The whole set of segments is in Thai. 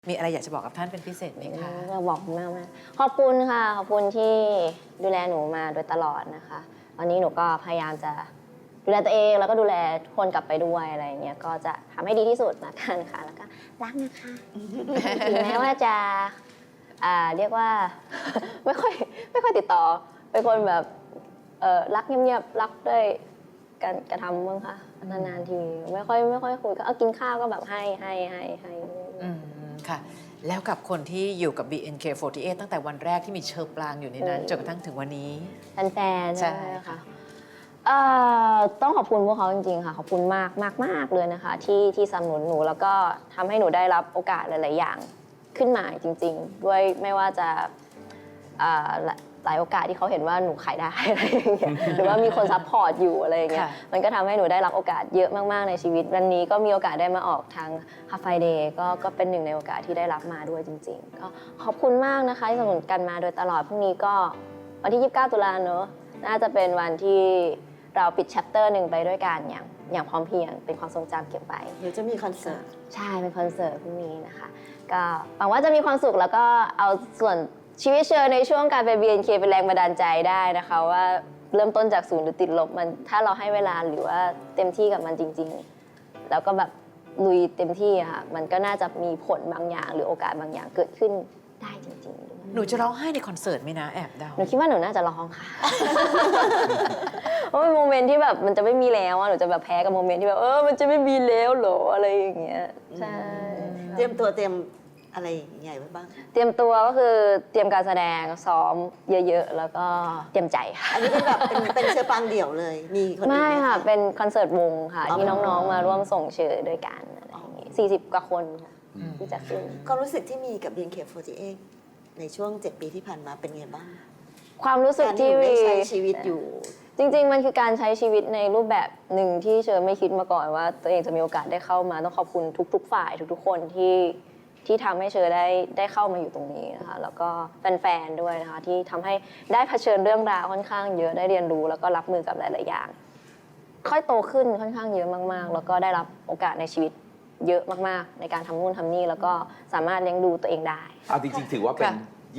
มีอะไรอยากจะบอกกับท่านเป็นพิเศษไหมคะอยากบอกคุณแม่ว่าขอบคุณค่ะขอบคุณที่ดูแลหนูมาโดยตลอดนะคะตอนนี้หนูก็พยายามจะดูแลตัวเองแล้วก็ดูแลทุกคนกลับไปด้วยอะไรอย่างเงี้ยก็จะทำให้ดีที่สุดละกันค่ะแล้วก็รักนะคะถึงแม้ว่าจะเรียกว่า ไม่ค่อยติดต่อเป็นคนแบบรักเงียบๆรักด้วยการกระทำบ้างค่ะนานๆทีไม่ค่อยคุยก็กินข้าวก็แบบให้ค่ะแล้วกับคนที่อยู่กับ BNK48 ตั้งแต่วันแรกที่มีเชอร์ปรางอยู่ในนั้นจนกระทั่งถึงวันนี้แฟนๆใช่ค่ะต้องขอบคุณพวกเขาจริงๆค่ะขอบคุณมากเลยนะคะที่สนับสนุนหนูแล้วก็ทำให้หนูได้รับโอกาสหลายๆอย่างขึ้นมาจริงๆด้วยไม่ว่าจะหลายโอกาสที่เขาเห็นว่าหนูขายได้อะไรอย่างเงี้ยหรือว่ามีคนซัพพอร์ตอยู่อะไรอย่างเงี้ยมันก็ทำให้หนูได้รับโอกาสเยอะมากๆในชีวิตวันนี้ก็มีโอกาสได้มาออกทาง Half Friday ก็เป็นหนึ่งในโอกาสที่ได้รับมาด้วยจริงๆก็ขอบคุณมากนะคะที่สนับสนุนกันมาโดยตลอดพรุ่งนี้ก็วันที่29 ตุลาเนอะน่าจะเป็นวันที่เราปิดแชปเตอร์หนึ่งไปด้วยกันอย่างพร้อมเพรียงเป็นความทรงจำเก็บไว้เดี๋ยวจะมีคอนเสิร์ตใช่เป็นคอนเสิร์ตพรุ่งนี้นะคะก็หวังว่าจะมีความสุขแล้วก็เอาส่วนชีวิตเชอในช่วงการเป็น BNK เป็นแรงบันดาลใจได้นะคะว่าเริ่มต้นจาก0หรือติดลบมันถ้าเราให้เวลาหรือว่าเต็มที่กับมันจริงๆแล้วก็แบบลุยเต็มที่อะค่ะมันก็น่าจะมีผลบางอย่างหรือโอกาสบางอย่างเกิดขึ้นได้จริงๆหนูจะร้องไห้ในคอนเสิร์ตไหมนะแอบเดาหนูคิดว่าหนูน่าจะร้องค่ะ เพราะเป็นโมเมนต์ที่แบบมันจะไม่มีแล้วอะหนูจะแบบแพ้กับโมเมนต์ที่แบบมันจะไม่มีแล้วเหรออะไรอย่างเงี้ยใช่เตรียมอะไรใหญ่ไว้บ้างเตรียมตัวก็คือเตรียมการแสดงซ้อมเยอะๆแล้วก็เตรียมใจค่ะอันนี้เป็นแบบเป็นเชอปังเดี่ยวเลยมีคนอื่นไหมไม่ค่ะเป็นคอนเสิร์ตวงค่ะที่น้องๆมาร่วมส่งเชยด้วยกันอะไรอย่างงี้40 กว่าคนค่ะที่จะขึ้นความรู้สึกที่มีกับ BNK48 ในช่วง7 ปีที่ผ่านมาเป็นไงบ้างความรู้สึกที่ได้ใช้ชีวิตอยู่จริงๆมันคือการใช้ชีวิตในรูปแบบหนึ่งที่เชอไม่คิดมาก่อนว่าตัวเองจะมีโอกาสได้เข้ามาต้องขอบคุณทุกๆฝ่ายทุกๆคนที่ทำให้เชอได้เข้ามาอยู่ตรงนี้นะคะแล้วก็แฟนๆด้วยนะคะที่ทำให้ได้เผชิญเรื่องราวค่อนข้างเยอะได้เรียนรู้แล้วก็รับมือกับหลายๆอย่างค่อยโตขึ้นค่อนข้างเยอะมากๆแล้วก็ได้รับโอกาสในชีวิตเยอะมากๆในการทำนู่นทำนี่แล้วก็สามารถเลี้ยงดูตัวเองได้เอาจริงๆถือว่าเป็น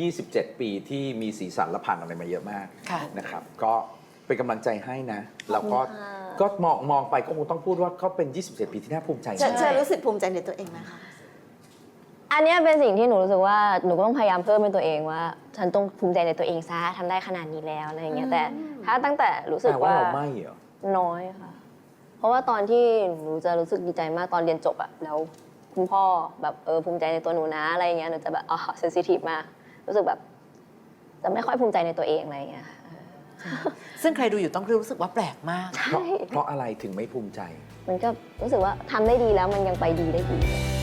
27 ปีที่มีสีสันและผ่านอะไรมาเยอะมากนะครับก็เป็นกำลังใจให้นะแล้วก็มองไปก็คงต้องพูดว่าเขาเป็น27 ปีที่น่าภูมิใจเชอรู้สึกภูมิใจในตัวเองไหมคะอันนี้เป็นสิ่งที่หนูรู้สึกว่าหนูก็ต้องพยายามเพิ่มเป็นตัวเองว่าฉันต้องภูมิใจในตัวเองซะทำได้ขนาดนี้แล้วอะไรอย่างเงี้ยแต่ถ้าตั้งแต่รู้สึกว่าเราไม่เหรอน้อยค่ะเพราะว่าตอนที่หนูจะรู้สึกดีใจมากตอนเรียนจบอะแล้วคุณพ่อแบบภูมิใจในตัวหนูนะอะไรอย่างเงี้ยหนูจะแบบเซนซิทีฟมากรู้สึกแบบจะไม่ค่อยภูมิใจในตัวเองอะไรอย่างเงี้ยซึ่งใครดูอยู่ต้องรู้สึกว่าแปลกมากเพราะอะไรถึงไม่ภูมิใจมันก็รู้สึกว่าทำได้ดีแล้วมันยังไปดีได้อีก